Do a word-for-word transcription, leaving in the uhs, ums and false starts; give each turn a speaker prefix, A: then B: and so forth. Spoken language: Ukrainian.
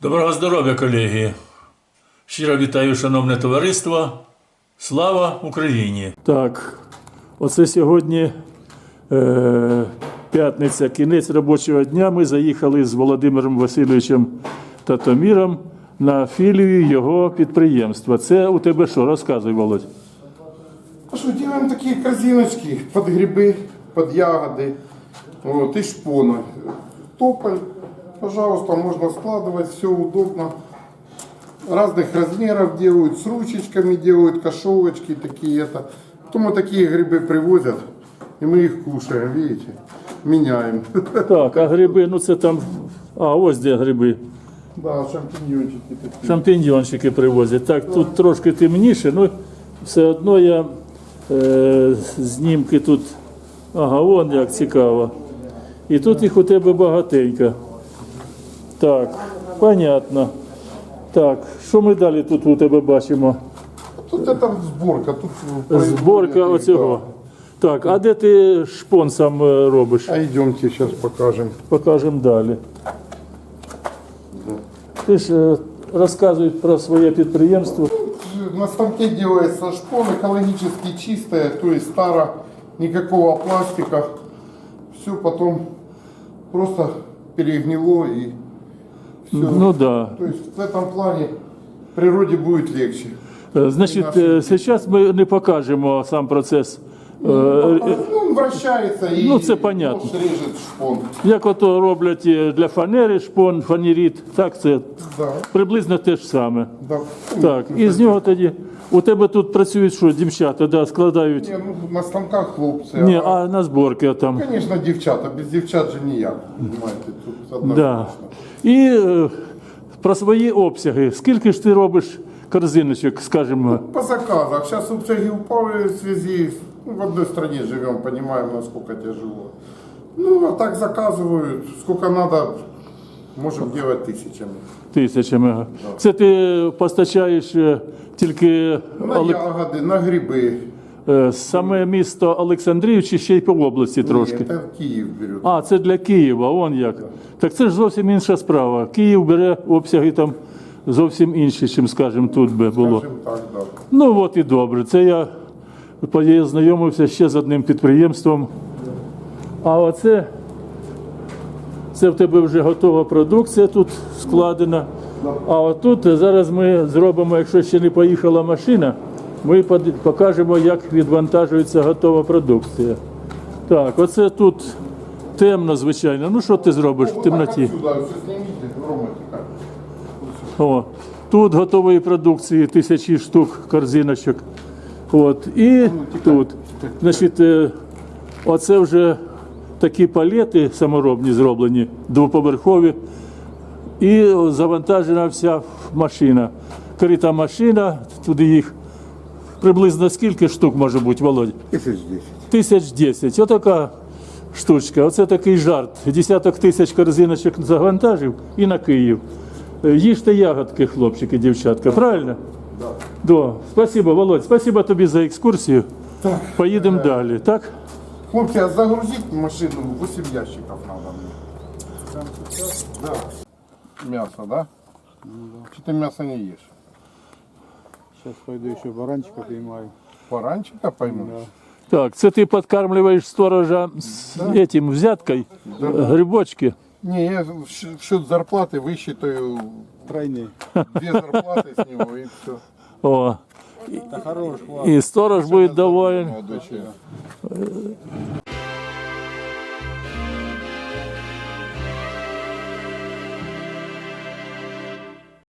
A: Доброго здоров'я, колеги! Щиро вітаю, шановне товариство. Слава Україні! Так, оце сьогодні е, п'ятниця, кінець робочого дня. Ми заїхали з Володимиром Васильовичем Татоміром на філію його підприємства. Це у тебе що? Розказуй, Володь.
B: А что, делаем такие корзиночки под грибы, под ягоды, вот, и шпоны. Тополь, пожалуйста, можно складывать, все удобно. Разных размеров делают, с ручечками делают, кашовочки такие это. Потом вот такие грибы привозят, и мы их кушаем, видите, меняем.
A: Так, а гриби, ну це там, а ось де гриби.
B: Да, шампиньончики такие.
A: Шампіньйончики привозять. Так, тут трошки темніше, ну все одно я е, знімки тут, ага, вон як цікаво. І тут їх у тебе багатенько. Так, понятно. Так, що ми далі тут у тебе бачимо?
B: Тут это сборка, тут
A: Зборка
B: производят,
A: оцього. Так, а де ти шпон сам е, робиш?
B: да. А идемте, сейчас покажем.
A: Покажемо далі. Ти ж е, розказуй про своє підприємство.
B: На станке делается шпон, экологически чистая, то есть старо, никакого пластика. Все потом просто перегнило и все.
A: Ну да.
B: То есть в этом плане природе будет легче.
A: Е, Значить, е, зараз ми не покажемо сам процес. Е, е,
B: Ну, он вращается и
A: Ну, це понятно.
B: нож режет шпон.
A: Як ото роблять е, для фанери шпон, фанеріт, так це
B: Да,
A: приблизно те ж саме.
B: да.
A: Так, і з нього тоді, у тебе тут працюють що, дівчата, да, складають?
B: Не, ну, на станках хлопцы.
A: Ні,
B: а,
A: а на зборки там.
B: Конечно, девчата. Без девчат же ніяк. Понимаете, тут
A: Да.
B: однозначно.
A: І е, про свої обсяги. Скільки ж ти робиш корзиночок, скажімо?
B: По заказах. Сейчас обсяги упали в связи, ну, в одной стране живем, понимаем, насколько тяжело. Ну, а так заказывают, сколько надо, можем делать тысячами.
A: Тисячами. Це ти постачаєш е, тільки
B: На
A: Оле-
B: ягоди, на гриби.
A: е, саме місто Олександрів чи ще й по області трошки?
B: Ні, це в Київ беруть.
A: А, це для Києва, он як. Так це ж зовсім інша справа. Київ бере обсяги там зовсім інші, чим, скажімо, тут би було.
B: Скажем так, да.
A: Ну от і добре. Це я познайомився ще з одним підприємством. А оце, це в тебе вже готова продукція тут складена. А отут зараз ми зробимо, якщо ще не поїхала машина, ми под- покажемо, як відвантажується готова продукція. Так, оце тут темно, звичайно. Ну що ти зробиш в темноті?
B: Отсюда, все снимите, роботика.
A: О, тут готової продукції тисячі штук корзиночок. От, і тут. Значить, е, оце вже такі палети саморобні зроблені, двоповерхові. І завантажена вся машина. Крита машина, туди їх приблизно скільки штук може бути, Володь?
B: Тисяч десять.
A: Тисяч десять. Отака штучка. Оце такий жарт. Десяток тисяч корзиночок завантажив і на Київ. Е, Їжте ягодки, хлопчики, дівчатка, правильно?
B: Да.
A: Да. Спасибо, Володь, спасибо тобі за екскурсію.
B: Так.
A: Поїдемо далі, так?
B: Хлопці, а загрузить машину, восемь ящиков надо мне. Да. Мясо, да? Чи ти мясо не ешь?
C: Сейчас пойду еще баранчика поймаю.
B: Баранчика пойму?
A: Так, це ти підкармлюєш сторожа з этим, взяткою, грибочки.
B: Не, я в щ- в счет зарплаты высчитаю
C: Тройные.
B: две зарплаты с него и все.
A: О,
C: Да хорош,
A: і сторож буде доволен.
B: Молодой человек.